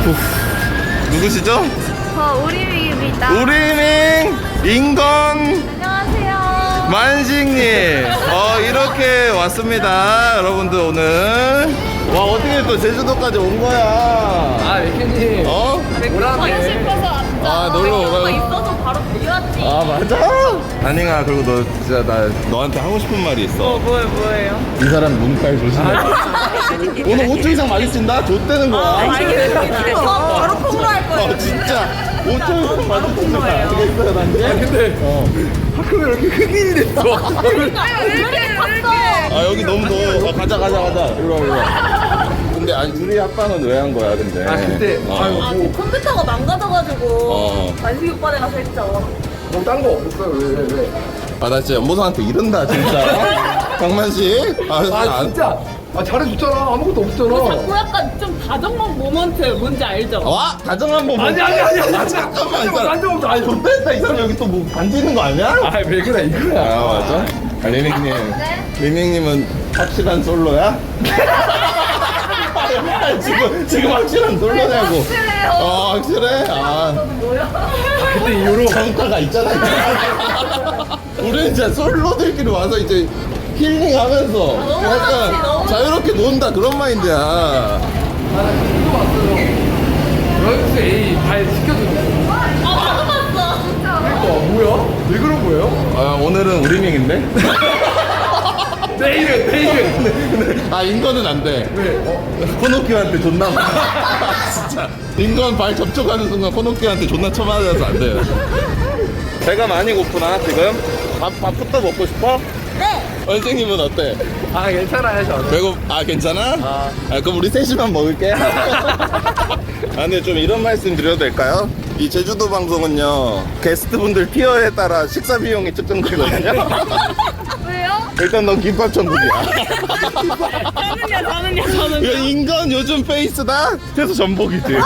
누구시죠? 저 우리밍입니다. 우리밍 인건 안녕하세요. 만식님 이렇게 왔습니다. 여러분들 오늘 와 어떻게 또 제주도까지 온 거야? 아, 맥현님. 가고 싶어서 왔죠. 놀러 오라고. 있어서 바로 달려왔지. 아 맞아? 아닝아 그리고 너 진짜 나 너한테 하고 싶은 말이 있어. 뭐예요? 이 사람 눈깔 조심해. 오늘 5초 이상 마주친다? 좆되는 거야. 바로 콩으로 할 거예요. 진짜 5초 이상 마주치면 알겠어요 난데? 근데 학교가 왜 이렇게 흑인이 됐어? 왜 이렇게 탔어? 아 여기 너무 더워. 가자 이리 와. 근데 아니 우리 합방은 왜 한 거야 근데? 근데 그 컴퓨터가 망가져가지고 만식이 오빠네 가서 했죠. 뭐 딴 거 없었어요? 왜? 아 나 진짜 연보성한테 이른다 진짜. 강만식. 아, 진짜. 아, 잘해줬잖아. 아무것도 없잖아. 자꾸 약간 좀 다정한 모먼트 뭔지 알죠? 와 다정한 번. 아니. 잠깐만 이 사람. 완전 없어. 아니, 좋댔다 이 사람 여기 또 뭐 반지는 거 아니야? 아, 왜 그래, 이거야. 아 맞아? 아 리밍님 리밍님은 확실한 솔로야? 지금 확실한 솔로냐고. 확실해요. 확실해? 근데 이후로. 정타가 있잖아. 우리는 진짜 솔로들끼리 와서 이제 힐링하면서 약간 자유롭게 논다 그런 마인드야. 이거 왔어요. 런스 A 발 시켜주는 거. 나도 봤어. 진짜. 그러니까, 뭐야? 왜 그런 거예요? 오늘은 우리밍인데? 내일은. 인건은 안 돼. 왜? 코노키한테 존나 진짜 인건 발 접촉하는 순간 코노키한테 존나 쳐맞아서 안 돼요. 배가 많이 고프나 지금? 밥부터 먹고 싶어? 네. 선생님은 어때? 아, 괜찮아요, 저. 괜찮아? 그럼 우리 셋이만 먹을게. 근데 좀 이런 말씀 드려도 될까요? 이 제주도 방송은요 게스트분들 티어에 따라 식사 비용이 측정되거든요. 왜요? 일단 넌 김밥 천국이야. 저는요. 인건 요즘 페이스다? 그래서 전복이지.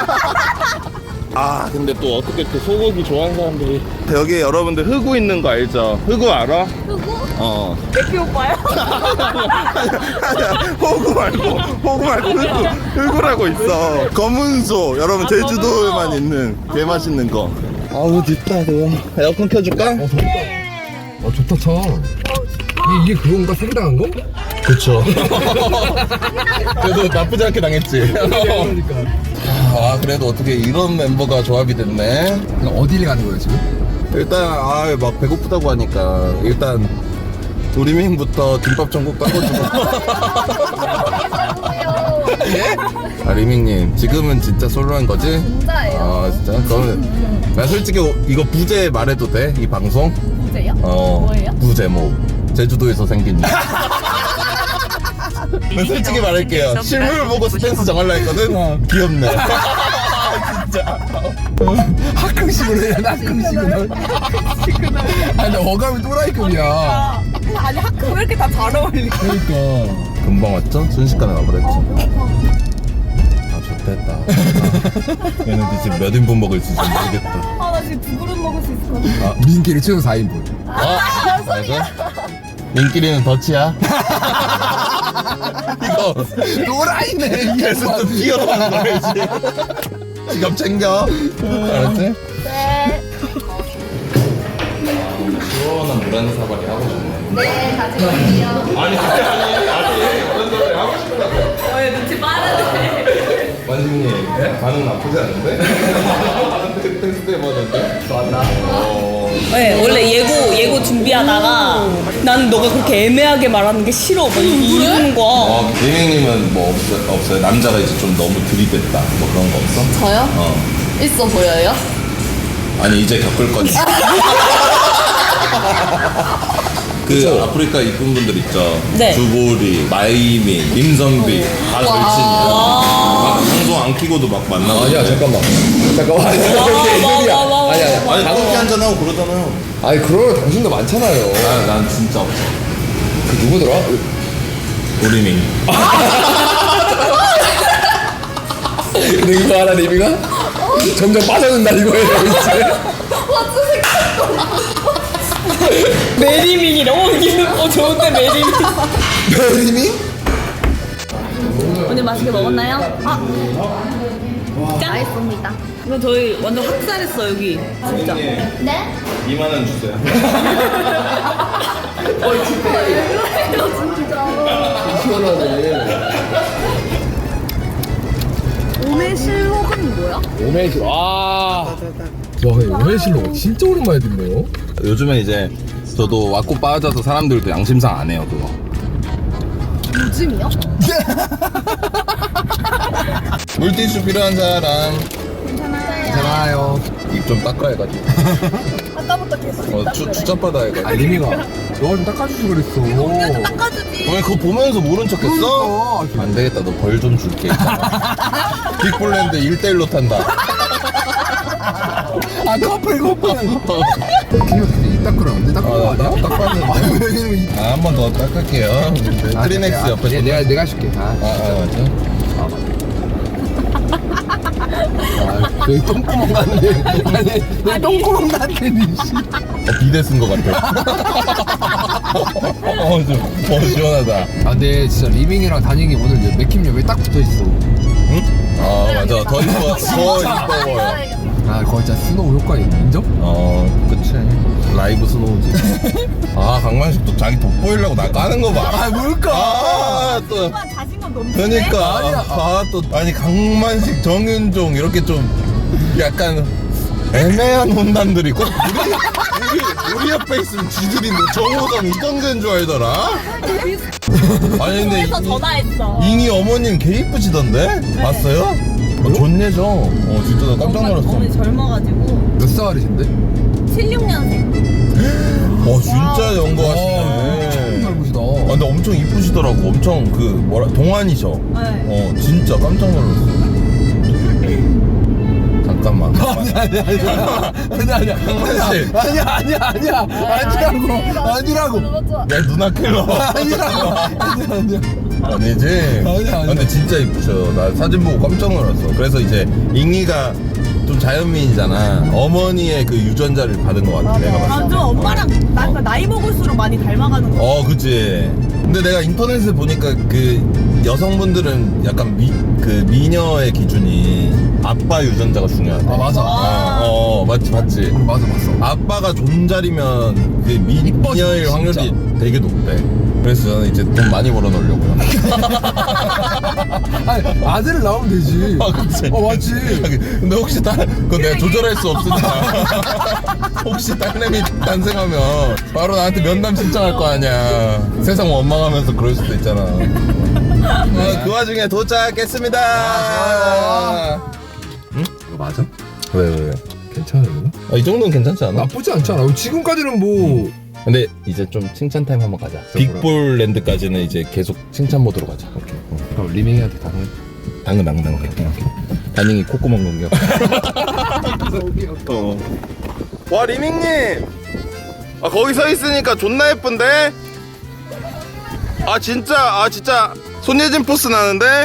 근데 또 어떻게 또 소고기 좋아하는 사람들이 여기 여러분들 흑우 있는 거 알죠? 흑우 알아? 흑우? 맥피 오빠요? 아니야 호구 말고 흑우라고 있어. 검은 소 여러분 제주도에만 있는 개 맛있는 거. 아우 덥다 더워. 에어컨 켜줄까? 좋다, 차. 이게 그건가? 상당한 거? 그쵸. 그래도 나쁘지 않게 당했지. 그러니까. 그래도 어떻게 이런 멤버가 조합이 됐네. 어디를 가는 거예요, 지금? 일단 막 배고프다고 하니까 일단 우리밍부터 김밥 전국 따고주고. 예? 리밍님 지금은 진짜 솔로한 거지? 진짜예요. 진짜? 그러면 나 솔직히 이거 부제 말해도 돼? 이 방송? 진짜요? 뭐예요? 부제목 제주도에서 생긴 일. 나 솔직히 말할게요. 실물 보고 스탠스 정할라 했거든? 귀엽네. 진짜. 학급식으로 해야 돼, 학급식으로. 아니, 어감이 또라이급이야. 아니 하크 왜 이렇게 다 잘 어울리지? 그러니까. 금방 왔죠? 순식간에 와버렸죠. 좋됐다. 얘네들 지금 몇 인분 먹을지 좀 모르겠다. 나 지금 2그릇 먹을 수 있을 것 같아. 민기를 최소 4인분. 맞아? 민끼리는 덫이야. 이거 또라이네, 계속 좀 뛰어가는 거야지. 지갑 챙겨. 알았지? 네. 시원한 물 한 사발이 하고 싶네. 네, 가져갈게요. 아니 그런 소리 하고 싶다. 왜 눈치 빠르네. 만식님 반응 나쁘지 않은데? 테스트 해봤는데? 좋았나? 네, 원래 예고 준비하다가 나는 너가 그렇게 애매하게 말하는 게 싫어 막 이러는 거야. 리밍님은 뭐 없어요? 남자가 이제 좀 너무 들이댔다 뭐 그런 거 없어? 저요? 있어 보여요? 아니 이제 겪을 거지. 아프리카 이쁜 분들 있죠. 네. 주보리, 마이민, 임선비 다 절친이야. 막 방송 안 키고도 막 만나고. 아니야, 잠깐만. 와. 아니 가볍게 한잔하고 그러잖아요. 아니, 그러면 당신도 많잖아요. 난 진짜 없어. 그 누구더라? 우리밍. 근데 이거 알아, 리미가? 점점 빠져든다, 이거예요, 이제. 메리밍이래. 좋은데 메리밍. 리미? 오늘 맛있게 먹었나요? 짠. 맛있습니다. 이거 저희 완전 확살했어 여기. 진짜. 네? 2만 원 주세요. 시원하네. 오메실록은 뭐야? 오메실. 와, 오메실로 진짜 오랜만에 듣네요. 요즘에 이제 저도 왔고 빠져서 사람들도 양심상 안 해요 그거. 요즘이요? 물티슈 필요한 사람. 괜찮아요. 입 좀 닦아야 가지고. 아까부터 계속 추잡하다 해가지고. 아, 리미가 너가 좀 닦아주지 그랬어. 닦아주지. 왜 그거 보면서 모른 척했어? 그러니까. 안 되겠다, 너 벌 좀 줄게. 빅볼랜드 1대1로 탄다. 아, 커플. 입 닦으라. 언제 닦으라? 닦았는데. 한 번 더 닦을게요. 트리넥스 옆에. 내가 해줄게. 맞아. 여기 똥구멍 났네. 아니, 여기 똥구멍 났네, 씨. 비데 쓴 거 같아. 시원하다. 아, 근데 진짜 리밍이랑 다니기 오늘 맥힘옆에 딱 붙어 있어. 응? 아, 맞아. 더 이뻐. 아, 거의 진짜 스노우 효과 인정? 그치. 라이브 스노우지. 아, 강만식도 자기 돋보이려고 나 까는 거 봐. 아, 뭘까? 아, 또. 자신감 넘치네. 그러니까. 아니, 강만식, 정윤종, 이렇게 좀 약간 애매한 혼담들이 꼭 우리 옆에 있으면 지들이 뭐 정호성 이정재인 줄 알더라? 아니, 근데 그래서 전화했어. 잉이 어머님 개 이쁘시던데? 봤어요? 좋네죠? 진짜 나 깜짝 놀랐어. 어머니 젊어가지고. 몇 살이신데? 76년생. 진짜 연구하시네. 엄청 닮으시다. 근데 엄청 이쁘시더라고. 엄청 동안이셔. 네. 진짜 깜짝 놀랐어. 잠깐만. 아니라고. 내 누나 킬러. 아니지? 아니야. 근데 진짜 이쁘셔. 나 사진 보고 깜짝 놀랐어. 그래서 이제 잉이가 좀 자연미인이잖아. 어머니의 그 유전자를 받은 것 같아. 내가 봤을 때. 맞아 엄마랑 나이 먹을수록 많이 닮아가는 거. 그치. 근데 내가 인터넷에 보니까 그 여성분들은 약간 미녀의 기준이 아빠 유전자가 중요하대. 아, 맞아. 맞지. 맞아, 봤어. 아빠가 존잘이면 그 미녀일 진짜. 확률이 되게 높대. 그래서 저는 이제 돈 많이 벌어 놓으려고요. 아니, 아들을 낳으면 되지. 그치. 맞지. 근데 혹시 그거 내가 조절할 수 없으니까. 혹시 딸내미 탄생하면 바로 나한테 면담 신청할 거 아니야. 세상 원망하면서 그럴 수도 있잖아. 그 와중에 도착했습니다. 응? 이거 맞아? 왜? 괜찮아, 이거? 이 정도는 괜찮지 않아? 나쁘지 않잖아. 지금까지는 뭐. 근데 이제 좀 칭찬 타임 한번 가자. 빅볼랜드까지는 이제 계속 칭찬 모드로 가자. 오케이. 그럼 리밍이한테 당근. 다닝이 콧구멍 공격. 와, 리밍님. 거기 서 있으니까 존나 예쁜데? 진짜 손예진 포스 나는데?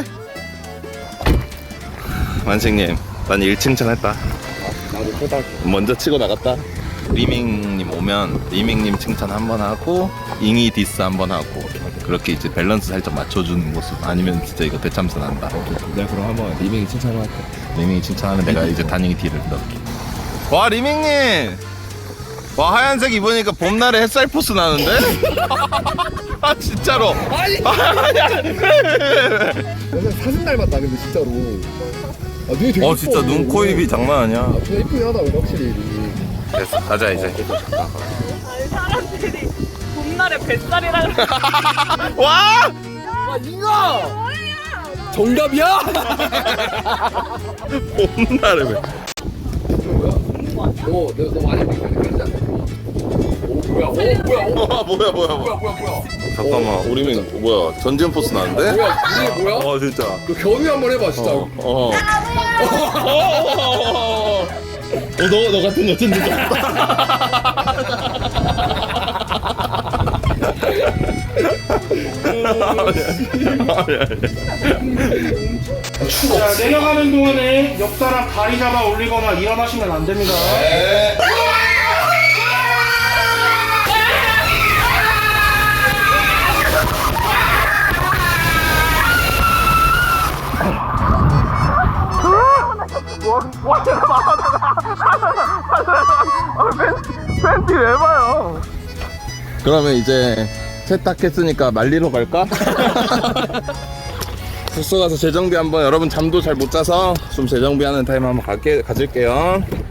만식님, 난 1칭찬 했다. 나도 끄덕. 먼저 치고 나갔다. 리밍님 오면 리밍님 칭찬 한번 하고 잉이 디스 한번 하고 그렇게 이제 밸런스 살짝 맞춰주는 모습. 아니면 진짜 이거 대참사 난다. 내가 그럼 한번 리밍이 칭찬을 할게. 리밍이 칭찬하면 내가 이제 다닝이 딜을 넣을게. 와, 리밍님. 와, 하얀색 입으니까 봄날에 햇살 포스 나는데? 진짜로. 아니야. 사진 닮았다, 근데 진짜로. 눈이 되게 진짜 눈, 코, 입이 장난 아니야. 진짜 이쁘긴 하다, 확실히. 됐어, 가자 이제. 사람들이 봄날에 뱃살이라 그래. 와! 이거! 정답이야? 봄날에 왜? 너 많이 믿는 거지? 뭐야. 잠깐만, 우리는 뭐야? 전지현 포스 나는데? 이게 뭐야? 진짜. 너 견우 한번 해봐, 진짜. 너 같은 여친들 좀. 자, 내려가는 동안에 옆 사람 다리 잡아 올리거나 일어나시면 안 됩니다. 와 팬티 왜 봐요? 그러면 이제 세탁했으니까 말리러 갈까? 숙소 가서 재정비 한번, 여러분 잠도 잘 못 자서 좀 재정비하는 타임 한번 가질게요.